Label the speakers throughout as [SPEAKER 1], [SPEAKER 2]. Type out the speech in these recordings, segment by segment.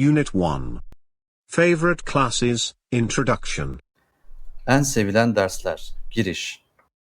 [SPEAKER 1] Unit 1. Favorite classes, Introduction.
[SPEAKER 2] En sevilen dersler. Giriş.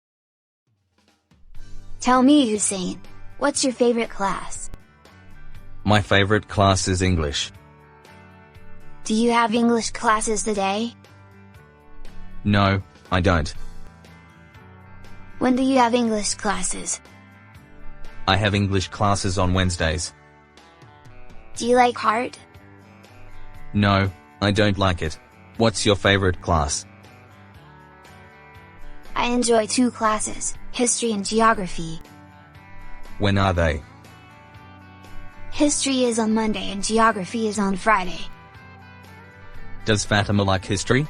[SPEAKER 3] Tell me, Hussein, what's your favorite class?
[SPEAKER 4] My favorite class is English.
[SPEAKER 3] Do you have English classes today?
[SPEAKER 4] No, I don't.
[SPEAKER 3] When do you have English classes?
[SPEAKER 4] I have English classes on Wednesdays.
[SPEAKER 3] Do you like art?
[SPEAKER 4] No, I don't like it. What's your favorite class?
[SPEAKER 3] I enjoy two classes, history and geography.
[SPEAKER 4] When are they?
[SPEAKER 3] History is on Monday and geography is on Friday.
[SPEAKER 4] Does Fatima like history?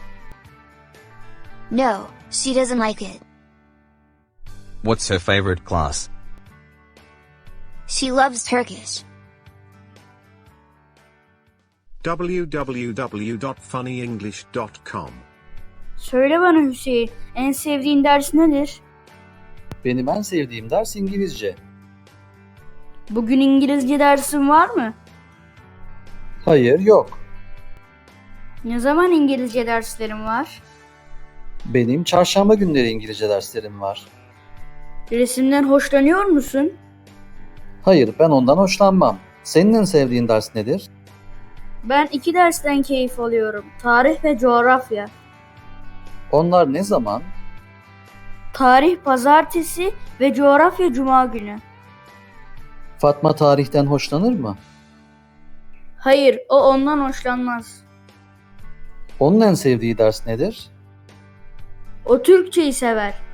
[SPEAKER 3] No, she doesn't like it.
[SPEAKER 4] What's her favorite class?
[SPEAKER 3] She loves Turkish.
[SPEAKER 1] www.funnyenglish.com.
[SPEAKER 5] Söyle bana Hüseyin, en sevdiğin ders nedir?
[SPEAKER 2] Benim en sevdiğim ders İngilizce.
[SPEAKER 5] Bugün İngilizce dersin var mı?
[SPEAKER 2] Hayır, yok.
[SPEAKER 5] Ne zaman İngilizce derslerin var?
[SPEAKER 2] Benim çarşamba günleri İngilizce derslerim var.
[SPEAKER 5] Resimden hoşlanıyor musun?
[SPEAKER 2] Hayır, ben ondan hoşlanmam. Senin en sevdiğin ders nedir?
[SPEAKER 5] Ben iki dersten keyif alıyorum. Tarih ve coğrafya.
[SPEAKER 2] Onlar ne zaman?
[SPEAKER 5] Tarih pazartesi ve coğrafya cuma günü.
[SPEAKER 2] Fatma tarihten hoşlanır mı?
[SPEAKER 5] Hayır, o ondan hoşlanmaz.
[SPEAKER 2] Onun en sevdiği ders nedir?
[SPEAKER 5] O Türkçeyi sever.